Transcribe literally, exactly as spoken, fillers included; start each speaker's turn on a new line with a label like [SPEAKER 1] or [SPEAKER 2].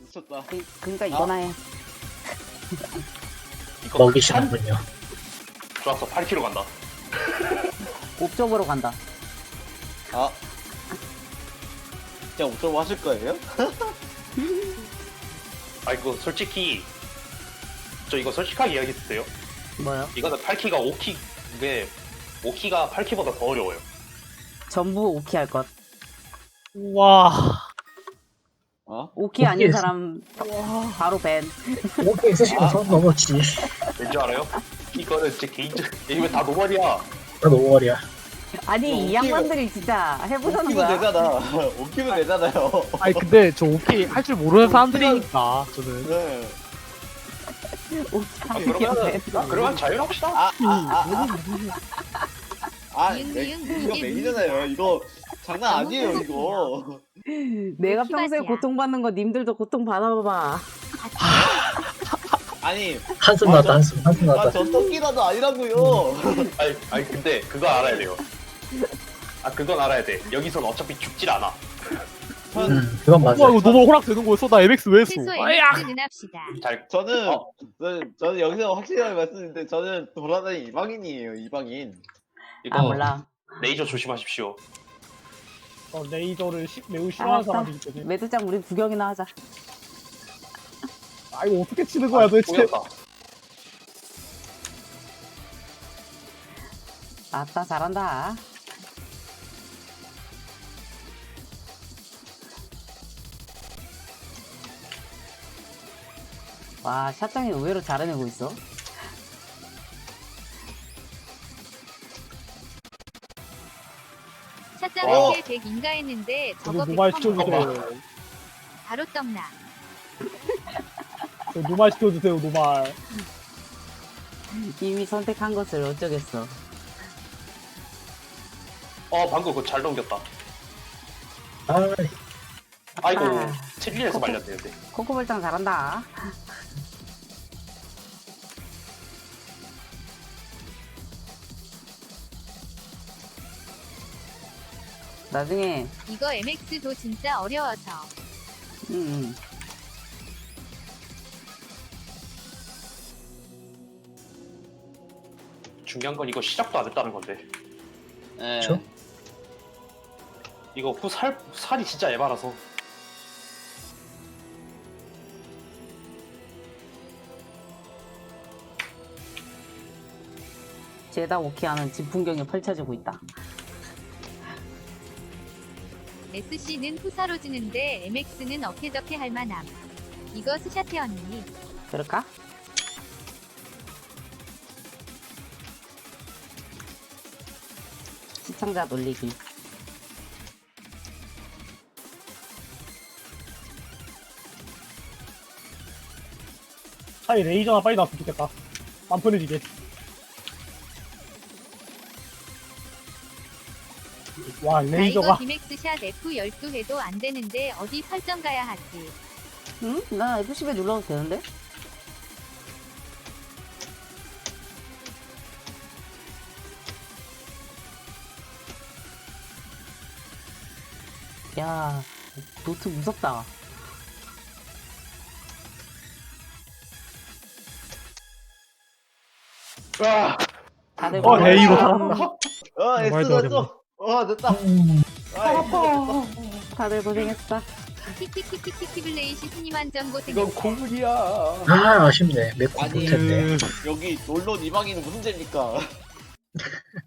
[SPEAKER 1] 미쳤다.
[SPEAKER 2] 그, 그러니까 이거나 해.
[SPEAKER 3] 이거
[SPEAKER 4] 먹이시는군요.
[SPEAKER 3] 좋았어. 팔 킬로미터 간다.
[SPEAKER 2] 옥쪽으로 간다.
[SPEAKER 1] 아. 진짜 옥점 하실 거예요?
[SPEAKER 3] 아 이거 솔직히 저 이거 솔직하게 이야기해도 돼요?
[SPEAKER 2] 뭐요?
[SPEAKER 3] 이거는 팔 키가 오 키 이게 오 키가 팔 키보다 더 어려워요.
[SPEAKER 2] 전부 오키 할 것.
[SPEAKER 5] 와.
[SPEAKER 1] 어?
[SPEAKER 2] 오키 아닌
[SPEAKER 4] 오키
[SPEAKER 2] 사람 바로 밴.
[SPEAKER 4] 오케이 있으시면 선 넘었지.
[SPEAKER 3] 왠지 알아요? 이거는 제 개인적 이거 다 노말이야.
[SPEAKER 4] 나 노월이야.
[SPEAKER 2] 아니
[SPEAKER 1] 어,
[SPEAKER 2] 이
[SPEAKER 1] 오키가-
[SPEAKER 2] 양반들이 진짜 해보자는
[SPEAKER 1] 오키면
[SPEAKER 2] 거야.
[SPEAKER 1] 되잖아. 오키면 되잖아요.
[SPEAKER 5] 아니 근데 저 오케이 할 줄 모르는 사람들이니까 저는.
[SPEAKER 1] 네.
[SPEAKER 2] 오키
[SPEAKER 3] 아,
[SPEAKER 2] 하는 게
[SPEAKER 3] 그러면은
[SPEAKER 2] 밴.
[SPEAKER 3] 그러면 자유합시다.
[SPEAKER 1] 아, 아, 아, 아. 아,
[SPEAKER 6] 미응,
[SPEAKER 1] 네,
[SPEAKER 6] 미응,
[SPEAKER 1] 이거
[SPEAKER 6] 이게
[SPEAKER 1] 메인이잖아요. 이거 장난 아니에요, 이거.
[SPEAKER 2] 내가
[SPEAKER 6] 오키
[SPEAKER 2] 평소에
[SPEAKER 6] 맛이야.
[SPEAKER 2] 고통받는 거 님들도 고통 받아봐봐.
[SPEAKER 1] 아니,
[SPEAKER 4] 한숨
[SPEAKER 1] 아,
[SPEAKER 4] 나왔다
[SPEAKER 1] 저-
[SPEAKER 4] 한숨 한숨
[SPEAKER 1] 아,
[SPEAKER 4] 나왔다.
[SPEAKER 1] 저 토끼라도 아니라고요.
[SPEAKER 3] 아니, 아니 근데 그거 알아야 돼요. 아 그건 알아야 돼. 여기선 어차피 죽질 않아.
[SPEAKER 4] 음 그건 맞아.
[SPEAKER 5] 와 이거 너무 호락 되는 거였어. 나 엠엑스 왜 했어?
[SPEAKER 6] 최소
[SPEAKER 5] 아야.
[SPEAKER 6] 엠엑스는 합시다.
[SPEAKER 3] 잘
[SPEAKER 1] 저는,
[SPEAKER 3] 어.
[SPEAKER 1] 저는, 저는 여기서 확실하게 말씀드리는데, 저는 돌아다니는 이방인이에요, 이방인.
[SPEAKER 3] 이거
[SPEAKER 2] 아 몰라.
[SPEAKER 3] 레이저 조심하십시오.
[SPEAKER 5] 어, 레이저를 시, 매우 싫어하는
[SPEAKER 2] 알았어.
[SPEAKER 5] 사람이기 때문에.
[SPEAKER 2] 매드장 우리 구경이나 하자.
[SPEAKER 5] 아 이거 어떻게 치는 거야 도대체?
[SPEAKER 3] 보였다.
[SPEAKER 2] 아따 잘한다. 와 샷장이 의외로 잘해내고 있어.
[SPEAKER 6] 샷장
[SPEAKER 1] 어.
[SPEAKER 6] 한개 백인가 했는데
[SPEAKER 5] 저도
[SPEAKER 6] 저거
[SPEAKER 5] 노말
[SPEAKER 6] 백퍼 먹어.
[SPEAKER 5] 시켜주세요.
[SPEAKER 6] 바로 떡나.
[SPEAKER 5] 저 노말 시켜주세요 노말.
[SPEAKER 2] 이미 선택한 것을 어쩌겠어.
[SPEAKER 3] 어 방금 그거 잘 넘겼다.
[SPEAKER 4] 아
[SPEAKER 3] 아이고
[SPEAKER 2] 아.
[SPEAKER 3] 칠리에서 말렸는데.
[SPEAKER 2] 코코볼장 잘한다. 나중에
[SPEAKER 6] 이거 엠엑스도 진짜 어려워서.
[SPEAKER 2] 음, 음.
[SPEAKER 3] 중요한 건 이거 시작도 안 했다는 건데.
[SPEAKER 1] 예.
[SPEAKER 4] 그쵸?
[SPEAKER 3] 이거 후 살 살이 진짜 에바라서.
[SPEAKER 2] 죄다 오키하는 집 풍경이 펼쳐지고 있다.
[SPEAKER 6] 에스씨는 후사로 지는데 엠엑스는 어케저케 할만함. 이거 스샷해 언니.
[SPEAKER 2] 그럴까? 시청자 놀리기.
[SPEAKER 5] 차라리 레이저나 빨리 나왔으면 좋겠다. 안 편해지게. 와
[SPEAKER 6] 나 이거
[SPEAKER 5] 레이저가
[SPEAKER 6] 디맥스 샷 에프 십이 해도 안 되는데 어디 설정 가야 하지?
[SPEAKER 2] 응? 나 에프 십에 눌러도 되는데? 야, 노트 무섭다.
[SPEAKER 3] 아
[SPEAKER 2] 다들
[SPEAKER 5] 어
[SPEAKER 2] 몰라.
[SPEAKER 5] 레이로 살았다.
[SPEAKER 1] 어, S
[SPEAKER 5] 말도 안
[SPEAKER 1] 됐어. 어, 됐다.
[SPEAKER 4] 음,
[SPEAKER 1] 아,
[SPEAKER 2] 다들 고생했어.
[SPEAKER 6] 키키키키키키블레이시 스님한 전
[SPEAKER 1] 이건
[SPEAKER 6] 고생했어.
[SPEAKER 1] 고문이야.
[SPEAKER 4] 아 아쉽네. 맵고 볼
[SPEAKER 1] 아니,
[SPEAKER 4] 텐데.
[SPEAKER 5] 음,
[SPEAKER 1] 여기 놀러 이방인은 무슨 죄입니까?